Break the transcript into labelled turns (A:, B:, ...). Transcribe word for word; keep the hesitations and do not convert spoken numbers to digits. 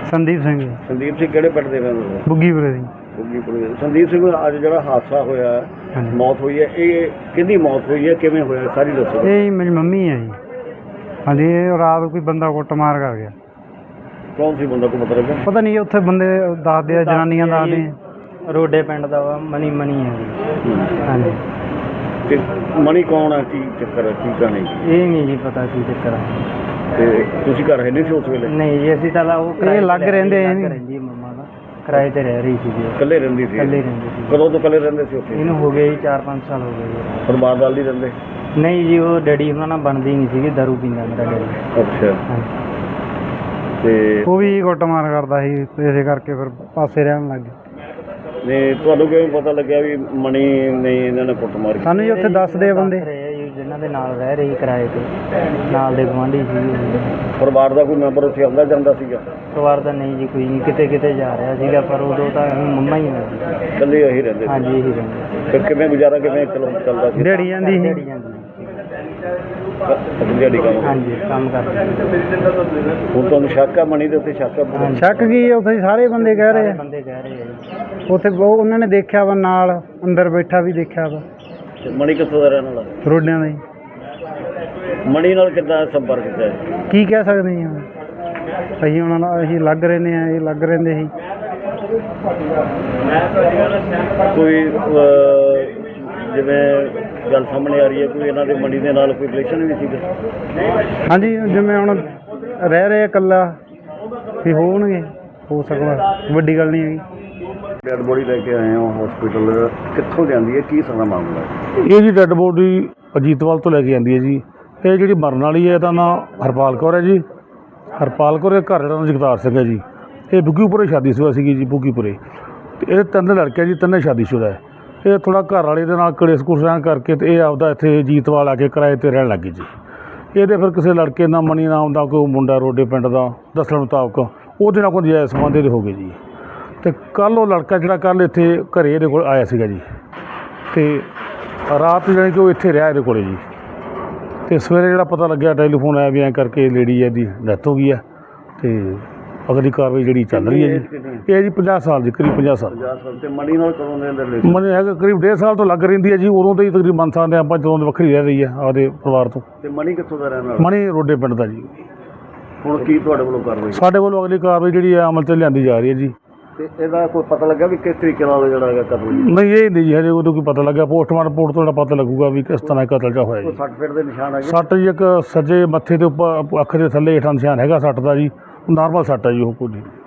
A: संदीप सिंह
B: संदीप सिंह किहड़े पिंड दे रहने वाले?
A: बुग्गीपुरे दी।
B: बुग्गीपुरे। संदीप सिंह अज जो हादसा होया
A: हाँ जी।
B: मौत हुई है, ये किहदी मौत हुई है, किवें होया सारी दसो।
A: ये जी मेरी मम्मी है जी। हाँ जी, ये रात कोई बंदा कुटमार कर गया।
B: कौन सी बंदा को पता लगा?
A: पता नहीं, उत्थे बंदे दसदे आ, जनानियां दसदे
C: रोडे पिंड दा वा, मनी मनी है जी। हाँ जी।
B: ते मनी कौन है, की चक्कर है, की कहानी?
C: ये नहीं जी पता की चक्कर है।
B: ते तुसीं घर है नहीं सी उस वेले?
C: नहीं जी, ਅਸੀਂ ਤਾਂ ਉਹ
A: ਇਹ ਲੱਗ ਰਹਿੰਦੇ ਆ
C: ਲੱਗ ਰਹਿੰਦੀ ਮੰਮਾ ਦਾ, ਕਿਰਾਏ ਤੇ ਰਹਿ ਰਹੀ ਸੀ ਜੀ।
B: ਇਕੱਲੇ ਰਹਿੰਦੀ ਸੀ?
C: ਇਕੱਲੇ ਰਹਿੰਦੀ ਸੀ।
B: ਕਦੋਂ ਤੋਂ ਇਕੱਲੇ ਰਹਿੰਦੇ ਸੀ ਉੱਥੇ?
C: ਇਹਨੂੰ ਹੋ ਗਏ ਜੀ ਚਾਰ ਪੰਜ ਸਾਲ ਹੋ ਗਏ ਜੀ।
B: ਪਰਿਵਾਰ ਨਾਲ ਨਹੀਂ ਰਹਿੰਦੇ?
C: ਨਹੀਂ ਜੀ, ਉਹ ਡੈਡੀ ਉਹਨਾਂ ਨਾਲ ਬਣਦੀ ਨਹੀਂ ਸੀਗੀ, ਦਾਰੂ ਪੀਂਦਾ ਮੇਰਾ ਡੈਡੀ।
B: ਅੱਛਾ।
C: ਹਾਂਜੀ।
B: ਤੇ
A: ਉਹ ਵੀ ਕੁੱਟਮਾਰ ਕਰਦਾ ਸੀ, ਇਸੇ ਕਰਕੇ ਫਿਰ ਪਾਸੇ ਰਹਿਣ ਲੱਗ ਗਏ।
B: ਨੇ ਤੁਹਾਨੂੰ ਕਿਵੇਂ ਪਤਾ ਲੱਗਿਆ ਵੀ ਮਣੀ ਨੇ ਇਹਨਾਂ ਨੇ ਕੁੱਟ ਮਾਰੀ?
A: ਸਾਨੂੰ ਜੀ ਉੱਥੇ ਦੱਸਦੇ ਆ ਬੰਦੇ,
C: ਜਿਨ੍ਹਾਂ ਦੇ ਨਾਲ ਰਹਿ ਰਹੀ ਕਿਰਾਏ ਤੇ, ਨਾਲ ਦੇ ਗੁਆਂਢੀ ਸੀ।
B: ਪਰਿਵਾਰ ਦਾ ਕੋਈ ਮੈਂਬਰ ਉੱਥੇ ਆਉਂਦਾ ਜਾਂਦਾ ਸੀਗਾ?
C: ਪਰਿਵਾਰ ਦਾ ਨਹੀਂ ਜੀ, ਕੋਈ ਨਹੀਂ, ਕਿਤੇ ਕਿਤੇ ਜਾ ਰਿਹਾ ਸੀਗਾ, ਪਰ ਉਦੋਂ ਤਾਂ ਮੰਮਾ ਹੀ ਨੇ ਜੀ।
B: ਇਕੱਲੇ ਇਹੀ ਰਹਿੰਦੇ ਸੀ?
C: ਹਾਂਜੀ, ਇਹੀ ਰਹਿੰਦੇ।
B: ਫਿਰ ਕਿਵੇਂ ਗੁਜ਼ਾਰਾ ਕਿਵੇਂ ਚਲੋ ਚੱਲਦਾ ਸੀ?
A: ਦਿਹਾੜੀ ਜਾਂਦੀ ਸੀ।
C: ਦਿਹਾੜੀ ਜਾਂਦੀ
B: ਅੱਛਾ, ਦਿਹਾੜੀ ਕੰਮ?
C: ਹਾਂਜੀ, ਕੰਮ ਕਰਦੇ।
B: ਹੁਣ ਤੁਹਾਨੂੰ ਸ਼ੱਕ ਆ ਮਣੀ ਦੇ ਉੱਤੇ? ਸ਼ੱਕ ਆ?
A: ਸ਼ੱਕ ਕੀ ਹੈ, ਉੱਥੇ ਸਾਰੇ ਬੰਦੇ ਕਹਿ ਰਹੇ ਆ।
C: ਬੰਦੇ ਕਹਿ ਰਹੇ ਆ ਜੀ।
A: ਉੱਥੇ ਉਹ ਉਹਨਾਂ ਨੇ ਦੇਖਿਆ ਵਾ, ਨਾਲ ਅੰਦਰ ਬੈਠਾ ਵੀ ਦੇਖਿਆ ਵਾ।
B: ਤੇ ਮਣੀ ਕਿੱਥੋਂ ਦਾ ਰਹਿਣ ਵਾਲਾ?
A: ਰੋਡਿਆਂ ਦਾ ਹੀ।
B: ਮਣੀ ਨਾਲ ਕਿੱਦਾਂ ਸੰਪਰਕ ਕੀਤਾ ਹੈ?
A: ਕੀ ਕਹਿ ਸਕਦੇ ਜੀ ਹੁਣ, ਅਸੀਂ ਉਹਨਾਂ ਨਾਲ ਅਸੀਂ ਲੱਗ ਰਹਿੰਦੇ ਆ, ਇਹ ਲੱਗ ਰਹਿੰਦੇ ਸੀ।
B: ਕੋਈ ਅਹ, ਜਿਵੇਂ ਗੱਲ ਸਾਹਮਣੇ ਆ ਰਹੀ ਹੈ, ਕੋਈ ਇਹਨਾਂ ਦੇ ਮਣੀ ਦੇ ਨਾਲ ਕੋਈ ਰਿਲੇਸ਼ਨ ਵੀ ਸੀਗਾ?
A: ਹਾਂਜੀ, ਜਿਵੇਂ ਹੁਣ ਰਹਿ ਰਹੇ ਇਕੱਲਾ ਵੀ ਹੋਣਗੇ, ਹੋ ਸਕਦਾ, ਵੱਡੀ ਗੱਲ ਨਹੀਂ ਹੈਗੀ।
B: ਡੈਡ ਬੋਡੀ ਲੈ ਕੇ ਆਏ ਹੋ ਹਸਪੀਟਲ, ਕਿੱਥੋਂ ਜਾਂਦੀ ਹੈ, ਕੀ ਸਾਰਾ ਮਾਮਲਾ ਹੈ?
D: ਇਹ ਜੀ ਡੈੱਡ ਬੋਡੀ ਅਜੀਤਵਾਲ ਤੋਂ ਲੈ ਕੇ ਆਉਂਦੀ ਹੈ ਜੀ। ਇਹ ਜਿਹੜੀ ਮਰਨ ਵਾਲੀ ਹੈ, ਇਹਦਾ ਨਾਂ ਹਰਪਾਲ ਕੌਰ ਹੈ ਜੀ। ਹਰਪਾਲ ਕੌਰ ਦੇ ਘਰ ਜਿਹੜਾ ਨਾਂ ਜਗਤਾਰ ਸਿੰਘ ਹੈ ਜੀ। ਇਹ ਬੁੱਗੀਪੁਰੇ ਸ਼ਾਦੀशुदा ਸੀਗੀ ਜੀ, ਬੁੱਗੀਪੁਰੇ। ਅਤੇ ਇਹ ਤਿੰਨ ਲੜਕੇ ਜੀ, ਤਿੰਨੇ ਸ਼ਾਦੀशुदा ਹੈ। ਇਹ ਥੋੜ੍ਹਾ ਘਰ ਵਾਲੇ ਦੇ ਨਾਲ ਕਲੇਸ਼ ਕੁਲੇਸ਼ ਰਹਿਣ ਕਰਕੇ ਅਤੇ ਇਹ ਆਪਦਾ ਇੱਥੇ ਅਜੀਤਵਾਲ ਆ ਕੇ ਕਿਰਾਏ 'ਤੇ ਰਹਿਣ ਲੱਗ ਗਈ ਜੀ। ਇਹਦੇ ਫਿਰ ਕਿਸੇ ਲੜਕੇ ਨਾਲ ਮਣੀ ਨਾਮ ਦਾ ਕੋਈ ਮੁੰਡਾ ਰੋਡੇ ਪਿੰਡ ਦਾ ਦੱਸਣ ਮੁਤਾਬਕ ਉਹਦੇ ਨਾਲ ਕੋਈ ਜਾਇਜ਼ ਸੰਬੰਧ ਇਹਦੇ ਹੋ ਗਏ ਜੀ। ਅਤੇ ਕੱਲ੍ਹ ਉਹ ਲੜਕਾ ਜਿਹੜਾ ਕੱਲ੍ਹ ਇੱਥੇ ਘਰੇ ਇਹਦੇ ਕੋਲ ਆਇਆ ਸੀਗਾ ਜੀ, ਅਤੇ ਰਾਤ ਜਾਣੀ ਕਿ ਉਹ ਇੱਥੇ ਰਿਹਾ ਇਹਦੇ ਕੋਲ ਜੀ। ਅਤੇ ਸਵੇਰੇ ਜਿਹੜਾ ਪਤਾ ਲੱਗਿਆ, ਟੈਲੀਫੋਨ ਆਇਆ ਵੀ ਐਂ ਕਰਕੇ ਲੇਡੀ ਇਹਦੀ ਡੈਥ ਹੋ ਗਈ ਹੈ। ਅਤੇ ਅਗਲੀ ਕਾਰਵਾਈ ਜਿਹੜੀ ਚੱਲ ਰਹੀ ਹੈ ਜੀ। ਇਹ ਜੀ ਪੰਜਾਹ ਸਾਲ ਜੀ, ਕਰੀਬ ਪੰਜਾਹ ਸਾਲ।
B: ਪੰਜਾਹ ਸਾਲ। ਤੇ ਮਣੀ ਨਾਲ ਕਦੋਂ ਦੇ ਰਿਲੇਸ਼ਨ?
D: ਮਣੀ ਹੈਗਾ ਕਰੀਬ ਡੇਢ ਸਾਲ ਤੋਂ ਲੱਗ ਰਹਿੰਦੀ ਹੈ ਜੀ। ਉਦੋਂ ਤੋਂ ਹੀ ਤਕਰੀਬਨ ਮੰਨ ਸਕਦੇ ਹਾਂ ਆਪਾਂ, ਜਦੋਂ ਦੀ ਵੱਖਰੀ ਰਹਿ ਰਹੀ ਹੈ ਆਪਦੇ ਪਰਿਵਾਰ ਤੋਂ।
B: ਤੇ ਮਣੀ ਕਿੱਥੋਂ ਦਾ ਰਹਿਣ ਵਾਲਾ?
D: ਮਣੀ ਰੋਡੇ ਪਿੰਡ ਦਾ ਜੀ।
B: ਹੁਣ ਕੀ ਤੁਹਾਡੇ ਵੱਲੋਂ ਕਾਰਵਾਈ?
D: ਸਾਡੇ ਵੱਲੋਂ ਅਗਲੀ ਕਾਰਵਾਈ ਜਿਹੜੀ ਹੈ ਅਮਲ 'ਤੇ ਲਿਆਂਦੀ ਜਾ ਰਹੀ ਹੈ ਜੀ।
B: ਤੇ ਇਹਦਾ ਕੋਈ ਪਤਾ ਲੱਗਾ ਵੀ ਕਿਸ ਤਰੀਕੇ ਨਾਲ ਜਿਹੜਾ ਹੈਗਾ ਕਤਲ ਹੋਇਆ?
D: ਨਹੀਂ, ਇਹ ਨਹੀਂ ਜੀ, ਹਜੇ ਉਦੋਂ ਕੋਈ ਪਤਾ ਲੱਗਾ। ਪੋਸਟਮਾਰਟਮ ਰਿਪੋਰਟ ਤੋਂ ਜਿਹੜਾ ਪਤਾ ਲੱਗੂਗਾ ਵੀ ਕਿਸ ਤਰ੍ਹਾਂ ਕਤਲ ਜਾ ਹੋਇਆ
B: ਕੋਈ
D: ਜੀ।
B: ਸੱਟ ਫੇਟ ਦੇ ਨਿਸ਼ਾਨ ਹੈਗੇ?
D: ਸੱਟ ਜੀ ਇੱਕ ਸੱਜੇ ਮੱਥੇ ਦੇ ਉੱਪਰ, ਅੱਖ ਦੇ ਥੱਲੇ ਹੇਠਾਂ ਨਿਸ਼ਾਨ ਹੈਗਾ ਸੱਟ ਦਾ ਜੀ। ਨਾਰਮਲ ਸੱਟ ਹੈ ਜੀ, ਉਹ ਕੋਈ ਨਹੀਂ।